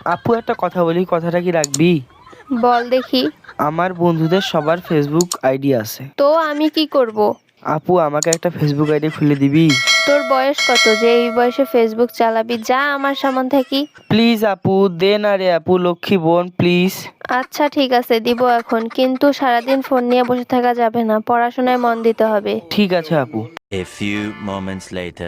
আপু একটা কথা বলি, কথাটা কি রাখবি? বল দেখি। আমার বন্ধুদের সবার ফেসবুক আইডি আছে। তো আমি কি করব? আপু আমাকে একটা ফেসবুক আইডি খুলে দিবি? তোর বয়স কত যে এই বয়সে ফেসবুক চালাবি? যা আমার সামন থেকে। প্লিজ আপু দে না রে আপু, লক্ষ্মী বোন প্লিজ। আচ্ছা ঠিক আছে, দিব এখন, কিন্তু সারাদিন ফোন নিয়ে বসে থাকা যাবে না, পড়াশোনায় মন দিতে হবে। ঠিক আছে আপু। A few moments later.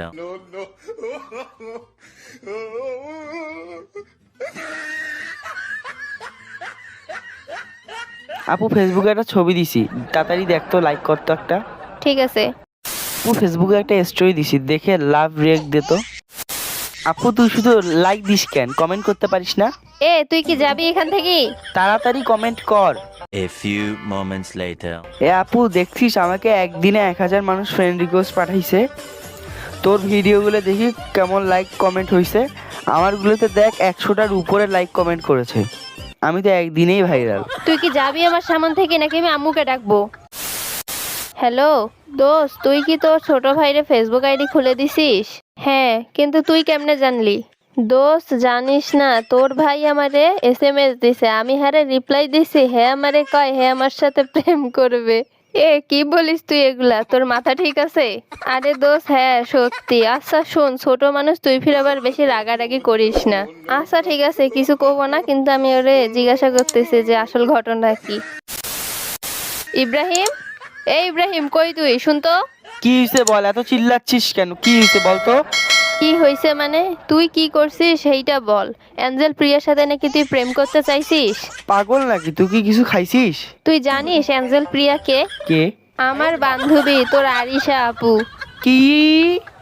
আপু ফেসবুকে একটা ছবি দিছি, তাড়াতাড়ি দেখতো, লাইক করতো একটা। ঠিক আছে। আপু ফেসবুকে একটা স্টোরি দিছি, দেখে লাভ রিয়েক্ট দে তো। আপু তুই শুধু লাইক দিস কেন, কমেন্ট করতে পারিস না? তুই কি যাবি এখান থেকে? তাড়াতাড়ি কমেন্ট কর। A few moments later. আপু দেখছিস আমাকে একদিনে 1000 মানুষ ফ্রেন্ড রিকোয়েস্ট পাঠাইছে। তোর ভিডিওগুলো দেখি কেমন লাইক কমেন্ট হয়েছে, আমারগুলোতে দেখ 100টার উপরে লাইক কমেন্ট করেছে। আমি তো একদিনেই ভাইরাল। তুই কি যাবি আমার সামন থেকে, নাকি আমি আম্মুকে ডাকবো? হ্যালো দোস্ত, তুই কি তোর ছোট ভাইরে ফেসবুক আইডি খুলে দিছিস? হ্যাঁ, কিন্তু তুই কেমনে জানলি? দোস্ত জানিস না, তোর ভাই আমারে SMS দিছে, আমি হারে রিপ্লাই দিছি, হ্যাঁ আমারে কয় হ্যাঁ আমার সাথে প্রেম করবে। কি বলিস তুই এগুলা? তোর মাথা ঠিক আছে? আরে দোস্ত হ্যাঁ সত্যি। আচ্ছা শোন, ছোট মানুষ তুই ফির আবার বেশি রাগারাগি করিস না। আচ্ছা ঠিক আছে, কিছু কব না, কিন্তু আমি ওরে জিজ্ঞাসা করতেছি যে আসল ঘটনা কি। ইব্রাহিম, ইব্রাহিম কই তুই? শুনতো। কি হয়েছে বল, এত চিল্লাচ্ছিস কেন? কি হয়েছে বল তো। কি হয়েছে মানে? তুই কি করছিস সেইটা বল। অ্যাঞ্জেল প্রিয়ার সাথে নাকি তুই প্রেম করতে চাইছিস? পাগল নাকি তুই? কি কিছু খাইছিস? তুই জানিস অ্যাঞ্জেল প্রিয়া কে? কে? আমার বান্ধবী, তোর আরিশা আপু। কি?